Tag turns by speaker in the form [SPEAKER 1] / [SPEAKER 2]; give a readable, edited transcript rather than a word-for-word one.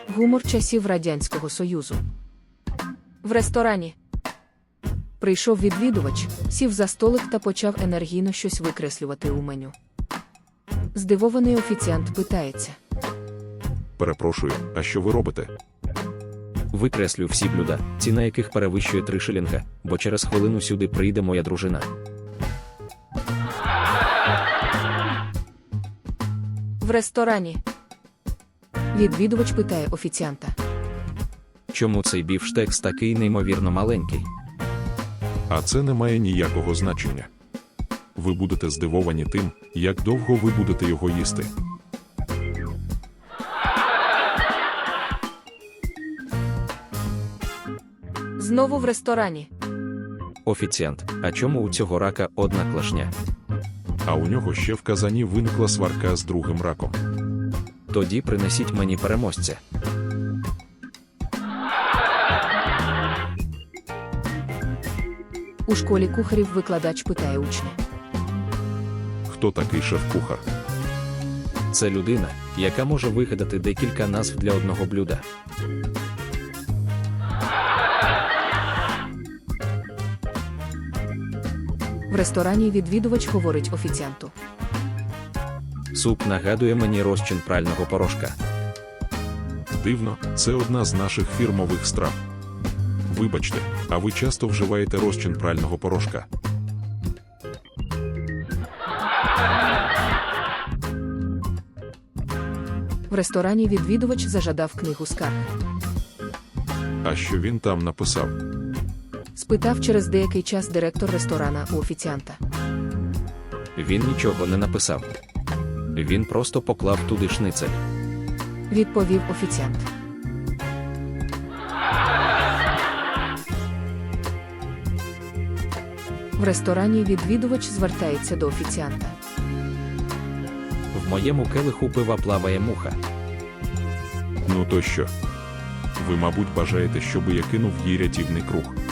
[SPEAKER 1] Гумор часів Радянського Союзу. В ресторані. Прийшов відвідувач, сів за столик та почав енергійно щось викреслювати у меню. Здивований офіціант питається.
[SPEAKER 2] Перепрошую, а що ви робите?
[SPEAKER 3] Викреслю всі блюда, ціна яких перевищує 3 шилінга, бо через хвилину сюди прийде моя дружина.
[SPEAKER 1] В ресторані. Відвідувач питає офіціанта.
[SPEAKER 3] Чому цей бівштекс такий неймовірно маленький?
[SPEAKER 2] А це не має ніякого значення. Ви будете здивовані тим, як довго ви будете його їсти.
[SPEAKER 1] Знову в ресторані.
[SPEAKER 3] Офіціант, а чому у цього рака одна клашня?
[SPEAKER 2] А у нього ще в казані виникла сварка з другим раком.
[SPEAKER 3] Тоді принесіть мені переможця.
[SPEAKER 1] У школі кухарів викладач питає учня.
[SPEAKER 2] Хто такий шеф-кухар?
[SPEAKER 3] Це людина, яка може вигадати декілька назв для одного блюда.
[SPEAKER 1] В ресторані відвідувач говорить офіціанту.
[SPEAKER 3] Суп нагадує мені розчин прального порошка.
[SPEAKER 2] Дивно, це одна з наших фірмових страв. Вибачте, а ви часто вживаєте розчин прального порошка?
[SPEAKER 1] В ресторані відвідувач зажадав книгу скарг.
[SPEAKER 2] А що він там написав?
[SPEAKER 1] Спитав через деякий час директор ресторана у офіціанта.
[SPEAKER 3] Він нічого не написав. Він просто поклав туди шницель.
[SPEAKER 1] Відповів офіціант. В ресторані відвідувач звертається до офіціанта.
[SPEAKER 3] В моєму келиху пива плаває муха.
[SPEAKER 2] Ну то що? Ви, мабуть, бажаєте, щоб я кинув їй рятівний круг.